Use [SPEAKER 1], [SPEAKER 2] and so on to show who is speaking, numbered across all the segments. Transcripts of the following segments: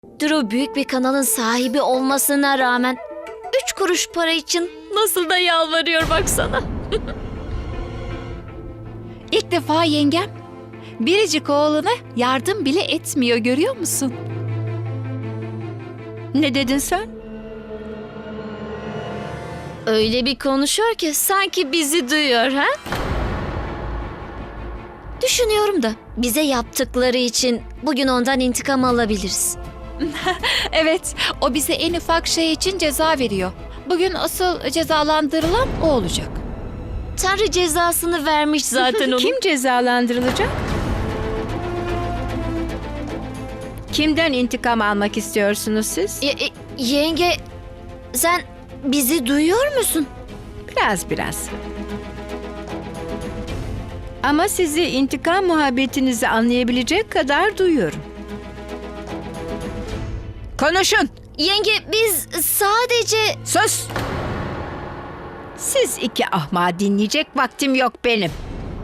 [SPEAKER 1] Drew büyük bir kanalın sahibi olmasına rağmen 3 kuruş para için nasıl da yalvarıyor baksana.
[SPEAKER 2] İlk defa yengem biricik oğluna yardım bile etmiyor, görüyor musun?
[SPEAKER 3] Ne dedin sen?
[SPEAKER 1] Öyle bir konuşuyor ki sanki bizi duyuyor ha? Düşünüyorum da bize yaptıkları için bugün ondan intikam alabiliriz.
[SPEAKER 2] Evet, o bize en ufak şey için ceza veriyor. Bugün asıl cezalandırılan o olacak.
[SPEAKER 1] Tanrı cezasını vermiş zaten ona.
[SPEAKER 3] Kim cezalandırılacak? Kimden intikam almak istiyorsunuz siz?
[SPEAKER 1] Yenge, sen bizi duyuyor musun?
[SPEAKER 3] Biraz. Ama sizi intikam muhabbetinizi anlayabilecek kadar duyuyorum. Konuşun!
[SPEAKER 1] Yenge, biz sadece...
[SPEAKER 3] Sus! Siz iki ahmağı dinleyecek vaktim yok benim.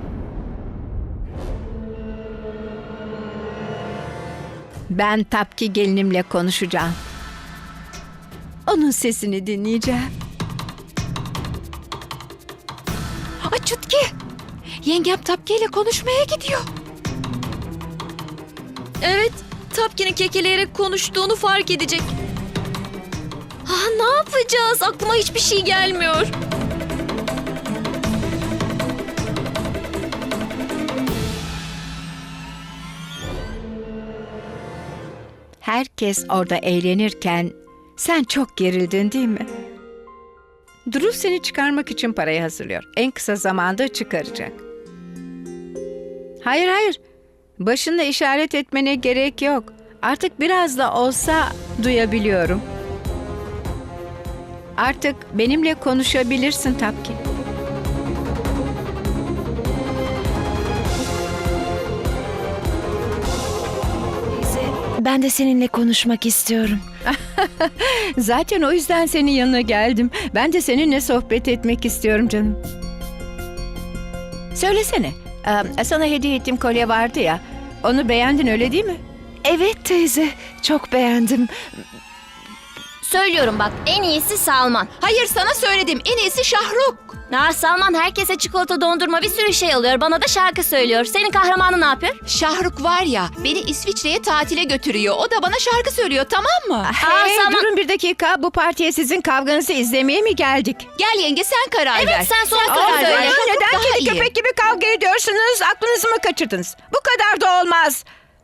[SPEAKER 3] Ben Tapki gelinimle konuşacağım. Onun sesini dinleyeceğim.
[SPEAKER 2] Ay Çutki! Yengem Tapki ile konuşmaya gidiyor.
[SPEAKER 1] Evet, Tapkin'in kekeleyerek konuştuğunu fark edecek. Ne yapacağız? Aklıma hiçbir şey gelmiyor.
[SPEAKER 3] Herkes orada eğlenirken sen çok gerildin değil mi? Drew seni çıkarmak için parayı hazırlıyor. En kısa zamanda çıkaracak. Hayır. Başınla işaret etmene gerek yok. Artık biraz da olsa duyabiliyorum. Artık benimle konuşabilirsin Tapki.
[SPEAKER 4] Ben de seninle konuşmak istiyorum.
[SPEAKER 3] Zaten o yüzden senin yanına geldim. Ben de seninle sohbet etmek istiyorum canım. Söylesene, sana hediye ettiğim kolye vardı ya. Onu beğendin öyle değil mi?
[SPEAKER 4] Evet teyze, çok beğendim.
[SPEAKER 1] Söylüyorum bak, en iyisi Salman.
[SPEAKER 2] Hayır, sana söyledim. En iyisi Şahruk.
[SPEAKER 1] Salman herkese çikolata, dondurma, bir sürü şey alıyor. Bana da şarkı söylüyor. Senin kahramanın ne yapıyor?
[SPEAKER 2] Şahruk var ya, beni İsviçre'ye tatile götürüyor. O da bana şarkı söylüyor, tamam mı?
[SPEAKER 3] Hey,
[SPEAKER 1] Salman-
[SPEAKER 3] durun bir dakika. Bu partiye sizin kavganızı izlemeye mi geldik?
[SPEAKER 2] Gel yenge, sen karar ver.
[SPEAKER 1] Evet, sen son
[SPEAKER 2] karar
[SPEAKER 1] karar
[SPEAKER 2] ver.
[SPEAKER 1] söyle.
[SPEAKER 2] Şahruk
[SPEAKER 3] Neden
[SPEAKER 2] daha
[SPEAKER 3] kedi
[SPEAKER 2] iyi.
[SPEAKER 3] köpek gibi kavga ediyorsunuz? Aklınızı mı kaçırdınız? Bu kadar da olmaz.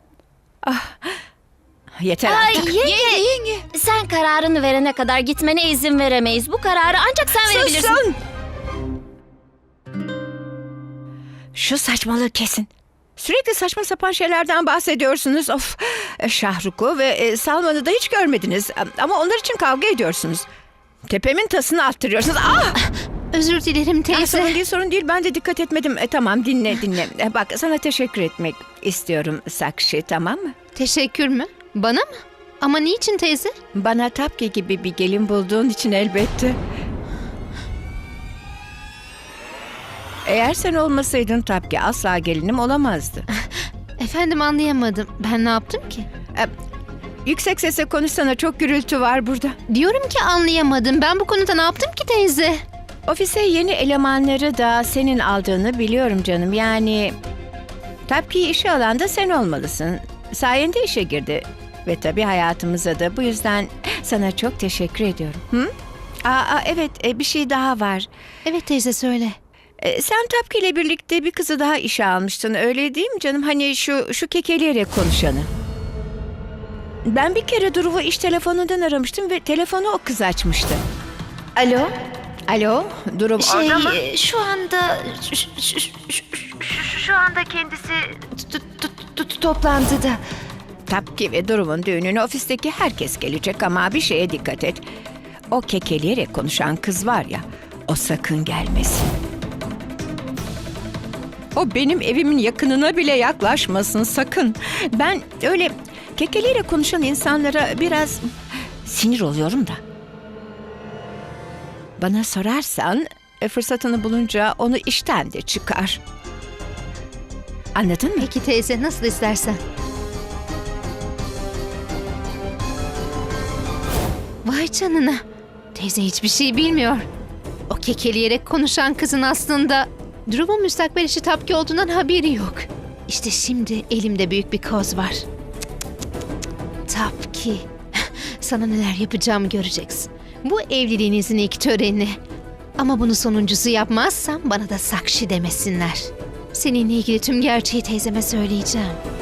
[SPEAKER 3] Yeter
[SPEAKER 1] Ay
[SPEAKER 3] artık.
[SPEAKER 1] yenge, sen kararını verene kadar gitmene izin veremeyiz. Bu kararı ancak sen verebilirsin.
[SPEAKER 3] Susun! Şu saçmalığı kesin. Sürekli saçma sapan şeylerden bahsediyorsunuz. Of, Şahruk'u ve Salman'ı da hiç görmediniz. Ama onlar için kavga ediyorsunuz. Tepemin tasını attırıyorsunuz.
[SPEAKER 4] Özür dilerim teyze.
[SPEAKER 3] Sorun değil. Ben de dikkat etmedim. Tamam, dinle. Bak, sana teşekkür etmek istiyorum Sakshi, tamam mı?
[SPEAKER 4] Teşekkür mü? Bana mı? Ama niçin teyze?
[SPEAKER 3] Bana Tapki gibi bir gelin bulduğun için elbette. Eğer sen olmasaydın Tapki asla gelinim olamazdı.
[SPEAKER 4] Efendim, anlayamadım. Ben ne yaptım ki?
[SPEAKER 3] Yüksek sesle konuşsana, çok gürültü var burada.
[SPEAKER 4] Diyorum ki anlayamadım. Ben bu konuda ne yaptım ki teyze?
[SPEAKER 3] Ofise yeni elemanları da senin aldığını biliyorum canım. Yani Tapki'yi işe alan da sen olmalısın. Sayende işe girdi. Ve tabii hayatımıza da, bu yüzden sana çok teşekkür ediyorum. Hı? Evet, bir şey daha var.
[SPEAKER 4] Evet teyze, söyle.
[SPEAKER 3] Sen Tapki ile birlikte bir kızı daha işe almıştın, öyle değil mi canım? Hani şu kekeleyerek konuşanı. Ben bir kere Drew'u iş telefonundan aramıştım ve telefonu o kız açmıştı.
[SPEAKER 4] Alo?
[SPEAKER 3] Alo, Drew orada mı?
[SPEAKER 4] Şu anda... Şu anda kendisi toplantıda.
[SPEAKER 3] Tapki ve Drew'un düğününe ofisteki herkes gelecek ama bir şeye dikkat et. O kekeleyerek konuşan kız var ya, o sakın gelmesin. O benim evimin yakınına bile yaklaşmasın sakın. Ben öyle kekeleyerek konuşan insanlara biraz sinir oluyorum da. Bana sorarsan fırsatını bulunca onu işten de çıkar. Anladın mı?
[SPEAKER 4] Peki teyze, nasıl istersen. Vay canına. Teyze hiçbir şey bilmiyor. O kekeleyerek konuşan kızın aslında Drup'un müstakbel eşi Tapki olduğundan haberi yok. İşte şimdi elimde büyük bir koz var. Tapki. Sana neler yapacağımı göreceksin. Bu evliliğinizin ilk töreni. Ama bunu sonuncusu yapmazsam bana da Sakshi demesinler. Seninle ilgili tüm gerçeği teyzeme söyleyeceğim.